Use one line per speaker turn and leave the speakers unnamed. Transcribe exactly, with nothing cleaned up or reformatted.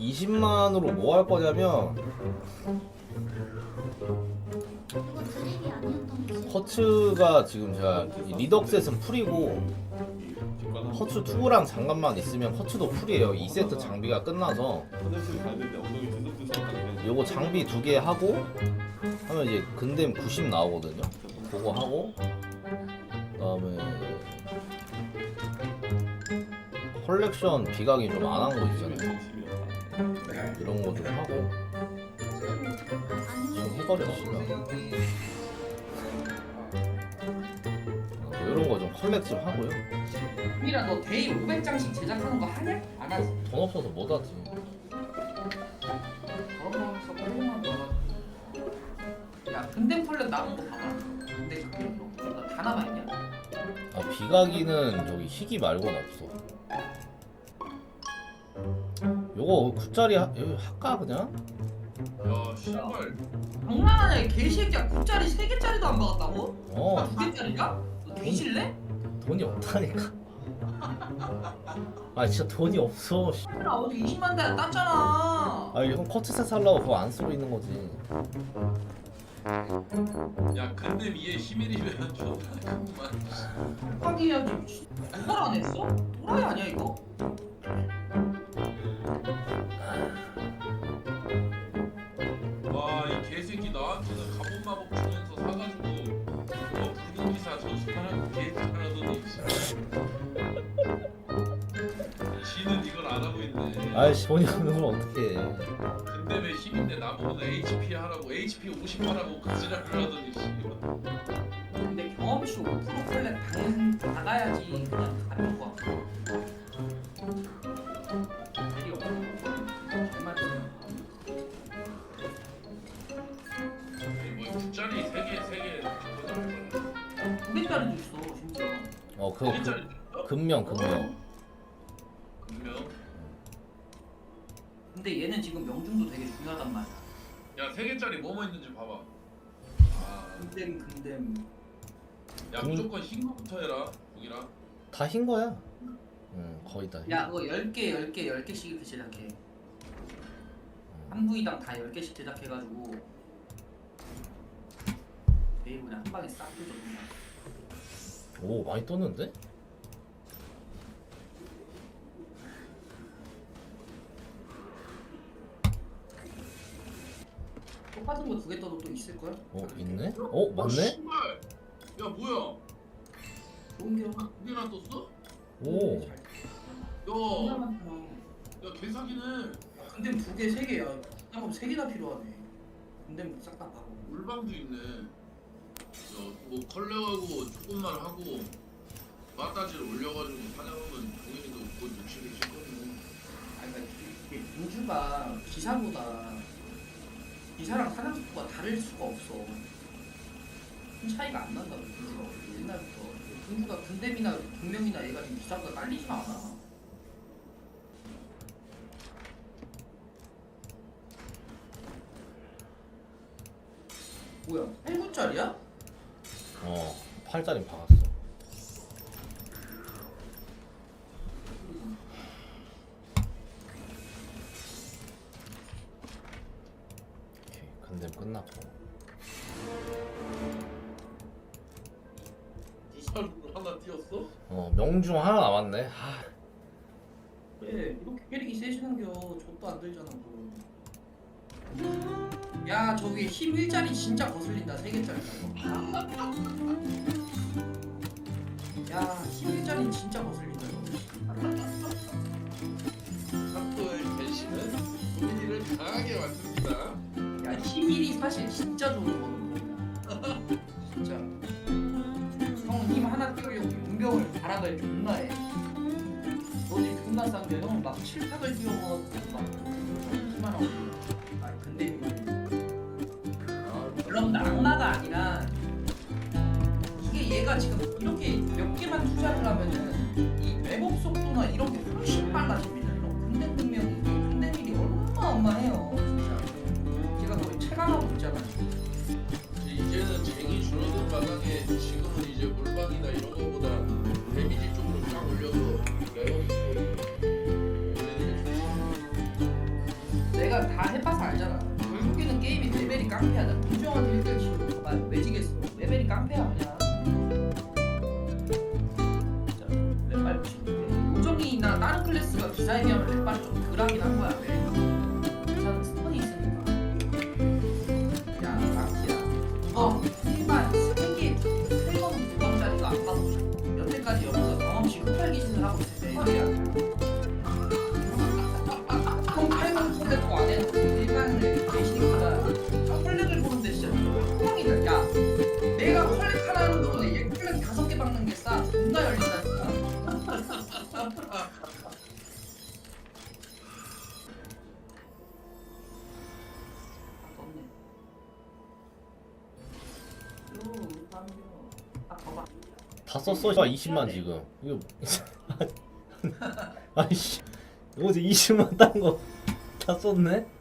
이십만으로 뭐 할 거냐면
그거 드립이 아니었던 거지.
허츠가 지금 제가 이 리덕셋은 풀이고 허츠 이랑 장갑만 있으면 허츠도 풀이에요. 이 세트 장비가 끝나서 요거 장비 두 개 하고 하면 이제 근댐 구십 나오거든요. 그거 하고 그다음에 컬렉션 비각이 좀 안 한 거 있잖아요. 이런 거 좀 하고 좀 해버렸습니다. 뭐 이런 거 좀 컬렉 좀 하고요.
미라 너 데이 오백 장씩 제작하는 거 하냐? 안 하지?
돈 없어서 못 하지.
그러면 서울만 넣어. 야 근데 폴렛 남은 거 봐봐. 근데 그거 다 남아 있냐?
아 비각이는 저기 희귀 말고는 없어. 요거 구 짜리 하, 여기 할까 그냥?
야 씨발
장난하냐 이 개새끼야. 구 짜리 세 개짜리도 안 박았다고?
어
두 개짜리가? 너 뒤질래?
돈이 없다니까. 아 진짜 돈이 없어. 씨.
나 어제 이십만 대 땄잖아.
아 형 커트셋 살라고 그거 안 쓰고 있는 거지.
야 근데 위에 히밀이면 존나 그만
하기야지. 누가 안 했어? 도라이 아니야 이거?
와이 개새끼 나한테는 갑옷 마법 주면서 사가지고 너 분위기사 전수하라고 개짓하라더니 지는 이걸 안 하고 있네.
아이씨 돈이 없는 걸 어떻게 해.
근데 왜 힘인데 나보고 에이치피 하라고 에이치피 오십 하라고 그 지랄을 하더니 씨발.
근데 경험치 오 퍼센트 플랫 당연 나가야지 그냥 가는 거야. 일이 없어. 잘 말이야.
뭐 숫자리 세 개 세 개 바꿔달라.
두 개짜리도 있어 심지어.
어 그거
세 개짜리
그, 금명 금명.
분명.
근데 얘는 지금 명중도 되게 중요하단 말이야.
야세 개짜리 뭐뭐 있는지 봐봐. 아,
근댐 근댐.
야
음.
무조건 흰 거부터 해라 북이랑.
다 흰 거야. 응 거의 다. 흰
야 그거 열 개 열 개 열 개씩 이렇게 제작해. 한 부위당 다 열 개씩 제작해가지고 매일 그냥 한 방에 싹 뜯어 그냥.
오 많이 떴는데?
똑같은 거 두 개 떠도 또 있을 거야?
어 있네? 어 맞네?
씨발. 야 뭐야?
좋은 게
두 개나 떴어?
오.
야,
존나 많잖아.
야 개사기네.
근데 두 개, 세 개야. 그럼 세 개나 필요하네. 근데 싹 다 하고.
물방도 있네. 야뭐 컬렉하고 조금만 하고 마따지를 올려가지고 사냥하면 동현이도 곧 육십을 찍거든.
아니 그러니까 이게 공주가 기사보다 기사랑 사냥 속도가 다를 수가 없어. 큰 차이가 안 난다고 공주가 옛날부터. 공주가 근댐이나 동명이나 얘가 지금 기사보다 딸리지가 않아. 뭐야? 팔 구짜리야?
어 팔 짜리 박았어. 오케이 근댐 끝났고.
부산으로 하나 띄었어?
어 명중 하나 남았네. 하.
왜 이렇게 캐릭이 세지는겨? 족도 안 들잖아 그거. 야 저기 힘 일짜리 진짜 거슬린다. 세 개짜리 야힘 일짜리 진짜 거슬린다 이거.
사토의 변신은 동현이를 강하게 만듭니다.
야힘 일이 사실 진짜 좋은 거거든. 진짜 형 힘 하나 띄우려고 용병을 바라더니 존나 해. 너 지금 존나 싼데 형은 막 칠팍을 띄워가지고 막 힘만 하고. 아니 근데 이거 물론 낙마가 아니라 이게 얘가 지금 이렇게 몇 개만 투자를 하면은 이 웹업 속도나 이런 게 훨씬 빨라집니다. 이런 근대 능력이 근대 일이 어마어마해요. 진짜 제가 거의 체감하고 있잖아요.
이제는 쟁이 줄어든 마당에 지금은 이제 물방이나 이런 거보다 데미지 쪽으로 쫙 올려서 레어 속도를 올리는 게 좋지.
진짜 랩발 붙이는데 요정이나 다른 클래스가 기사에 비하면 랩발이 좀 덜하긴 한 거야. 왜? 기사는 스톤이 있으니까. 야 락키야 이거 일반 세개 세번 무방짜리가 안 가고 여태까지 여기서 경험치 흡혈 기신을 하고 있을 때 말이야. 형 팔만 콜렉 안 해놓고 일반을 계시니까 콜렉을 보는데 진짜 뻥이다. 야 내가 콜렉 하나는 것보다 얘 콜렉 다섯 개 박는 게 싸. 존나 열린다니까.
다 썼어. 이십만 지금. 이거 아이씨. 어제 이십만 딴 거 다 썼네.